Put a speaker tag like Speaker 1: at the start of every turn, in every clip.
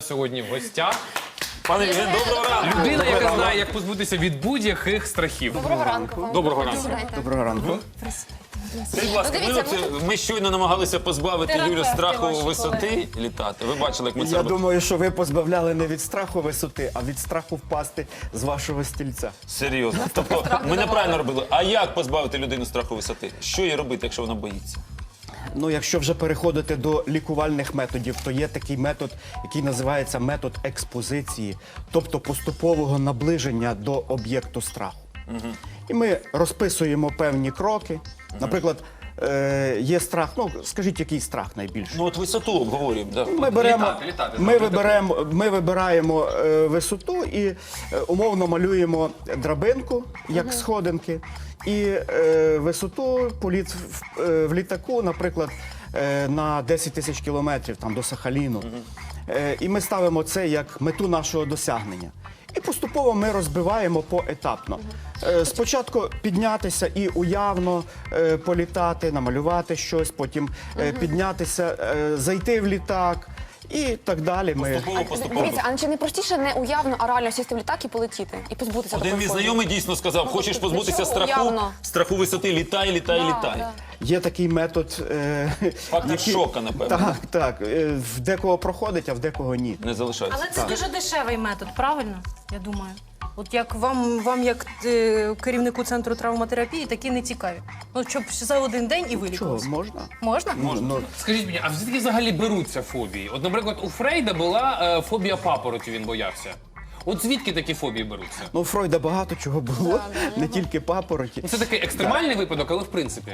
Speaker 1: Сьогодні в гостях
Speaker 2: Пане Євген, доброго ранку.
Speaker 1: людина, яка знає, як позбутися від будь-яких страхів.
Speaker 3: Доброго ранку вам.
Speaker 1: Доброго ранку.
Speaker 4: Доброго ранку.
Speaker 2: Скажіть, будь ласка, ми щойно намагалися позбавити Юлю
Speaker 3: Терапевти
Speaker 2: страху
Speaker 3: ваші
Speaker 2: висоти літати. Ви бачили, як ми це
Speaker 4: Я
Speaker 2: робили?
Speaker 4: думаю, що ви позбавляли не від страху висоти, а від страху впасти з вашого стільця.
Speaker 2: Серйозно. Тобто ми неправильно робили. А як позбавити людину страху висоти? Що їй робити, якщо вона боїться?
Speaker 4: Ну, якщо вже переходити до лікувальних методів, то є такий метод, який називається метод експозиції, тобто поступового наближення до об'єкту страху. І ми розписуємо певні кроки. Наприклад, є страх, ну, скажіть, який страх найбільший?
Speaker 2: Ну от висоту обговорюємо. Да.
Speaker 1: Літати,
Speaker 4: Ми вибираємо висоту і умовно малюємо драбинку, як сходинки, і висоту, політ в літаку, наприклад, на 10 тисяч кілометрів там, до Сахаліну. І ми ставимо це як мету нашого досягнення. І поступово ми розбиваємо поетапно. Спочатку піднятися і уявно політати, намалювати щось, потім піднятися, зайти в літак і так далі.
Speaker 2: Поступово.
Speaker 3: Дивіться, а чи не простіше не уявно, а реально сісти в літак і полетіти? І позбутися
Speaker 2: Один
Speaker 3: такої
Speaker 2: мій
Speaker 3: фобії?
Speaker 2: знайомий дійсно сказав, хочеш позбутися
Speaker 3: чого уявно?
Speaker 2: страху висоти, літай, літай, літай.
Speaker 3: Да.
Speaker 4: Є такий метод,
Speaker 2: Фактор шока, напевно.
Speaker 4: Так, так. В декого проходить, а в декого ні.
Speaker 2: Не залишається.
Speaker 5: Але це дуже дешевий метод, правильно? Я думаю. От як вам як керівнику центру травматерапії, такі не цікаві. Ну, щоб за один день і
Speaker 4: Чого,
Speaker 5: вилікувався.
Speaker 4: можна?
Speaker 5: Можна?
Speaker 4: Ну,
Speaker 1: Скажіть мені, а звідки взагалі беруться фобії? От, наприклад, у Фрейда була фобія папороті, він боявся. От звідки такі фобії беруться?
Speaker 4: ну, у Фройда багато чого було, не тільки папороті.
Speaker 1: Ну, це такий екстремальний випадок, але в принципі.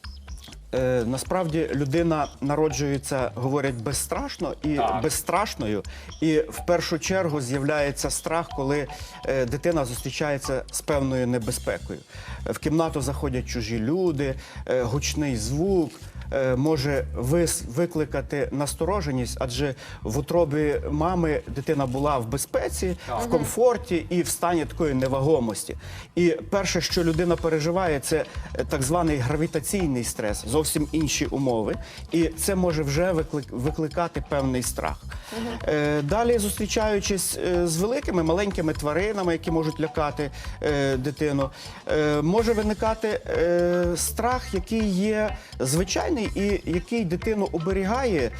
Speaker 4: Насправді людина народжується, говорять, безстрашно і
Speaker 1: Так.
Speaker 4: безстрашною. І в першу чергу з'являється страх, коли дитина зустрічається з певною небезпекою. В кімнату заходять чужі люди, гучний звук може викликати настороженість, адже в утробі мами дитина була в безпеці, в комфорті і в стані такої невагомості. І перше, що людина переживає, це так званий гравітаційний стрес, зовсім інші умови. І це може вже викликати певний страх. Далі, зустрічаючись з великими, маленькими тваринами, які можуть лякати дитину, може виникати страх, який є звичайний і який дитину оберігає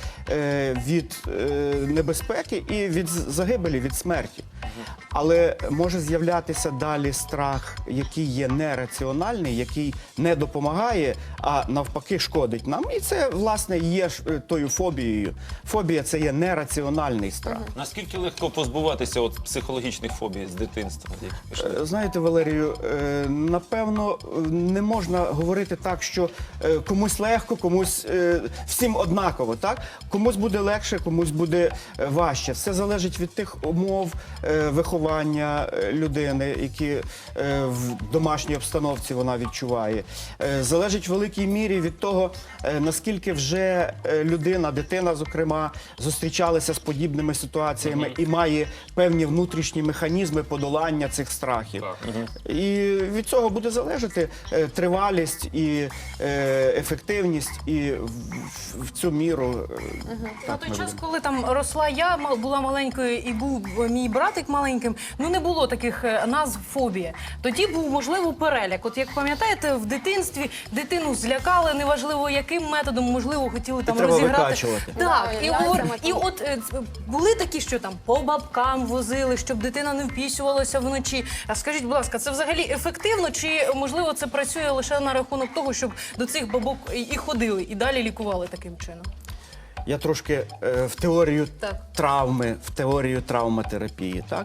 Speaker 4: від небезпеки і від загибелі, від смерті. Але може з'являтися далі страх, який є нераціональний, який не допомагає, а навпаки шкодить нам. І це, власне, є тою фобією. Фобія – це є нераціональний страх.
Speaker 2: Наскільки легко позбуватися от психологічних фобій з дитинства? які пішли?
Speaker 4: Знаєте, Валерію, напевно, не можна говорити так, що комусь легко, комусь всім однаково, так? Комусь буде легше, комусь буде важче. Все залежить від тих умов виховання людини, які в домашній обстановці вона відчуває. Залежить в великій мірі від того, наскільки вже людина, дитина, зокрема, зустрічалася з подібними ситуаціями і має певні внутрішні механізми подолання цих страхів. І від цього буде залежати тривалість і ефективність, і в цю міру.
Speaker 5: На той час, коли там росла я, була маленькою і був мій братик маленьким, ну не було таких назв фобія. Тоді був, можливо, переляк. От як пам'ятаєте, в дитинстві дитину злякали, неважливо яким методом, можливо, хотіли там
Speaker 4: треба
Speaker 5: розіграти.
Speaker 4: викачувати.
Speaker 5: Так,
Speaker 3: Да,
Speaker 5: і от були такі, що там по бабкам возили, щоб дитина не впісювалася вночі. А скажіть, будь ласка, це взагалі ефективно, чи, можливо, це працює лише на рахунок того, щоб до цих бабок і ходили, і далі лікували таким чином?
Speaker 4: Я трошки в теорію
Speaker 5: Так.
Speaker 4: травми, в теорію травматерапії. Так?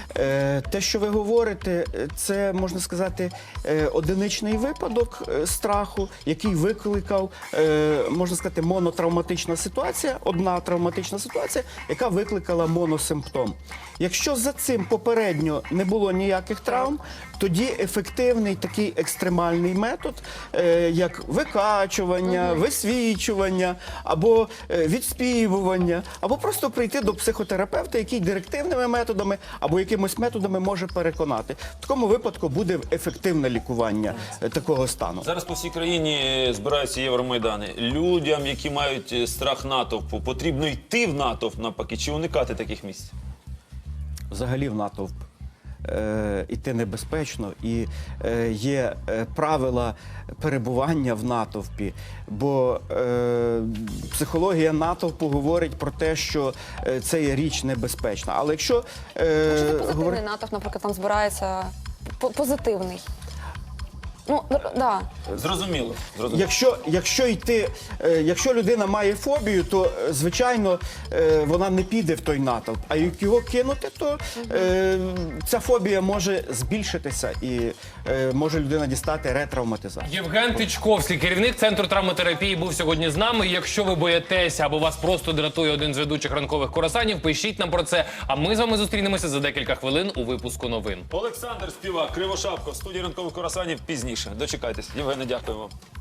Speaker 4: Те, що ви говорите, це, можна сказати, одиничний випадок страху, який викликав, можна сказати, монотравматична ситуація, одна травматична ситуація, яка викликала моносимптом. Якщо за цим попередньо не було ніяких травм, тоді ефективний такий екстремальний метод, як викачування, висвічування або відспівування, або просто прийти до психотерапевта, який директивними методами або якимось методами може переконати. В такому випадку буде ефективне лікування такого стану.
Speaker 2: Зараз по всій країні збираються Євромайдани. Людям, які мають страх натовпу, потрібно йти в натовп навпаки, чи уникати таких місць?
Speaker 4: Взагалі в натовп іти небезпечно, і є правила перебування в натовпі, бо психологія натовпу говорить про те, що це є річ небезпечна. Але якщо
Speaker 3: Позитивний натовп, наприклад, там збирається позитивний. Ну, да.
Speaker 2: Зрозуміло.
Speaker 4: Якщо людина має фобію, то звичайно вона не піде в той натовп. А як його кинути, то ця фобія може збільшитися і може людина дістати ретравматизацію.
Speaker 1: Євген Тичковський, керівник Центру травматерапії, був сьогодні з нами. Якщо ви боїтеся або вас просто дратує один з ведучих ранкових курасанів, пишіть нам про це. А ми з вами зустрінемося за декілька хвилин у випуску новин.
Speaker 2: Олександр Співак, Кривошапко в студії ранкових курасанів пізніше. Дочекайтесь. Євгене, дякую вам.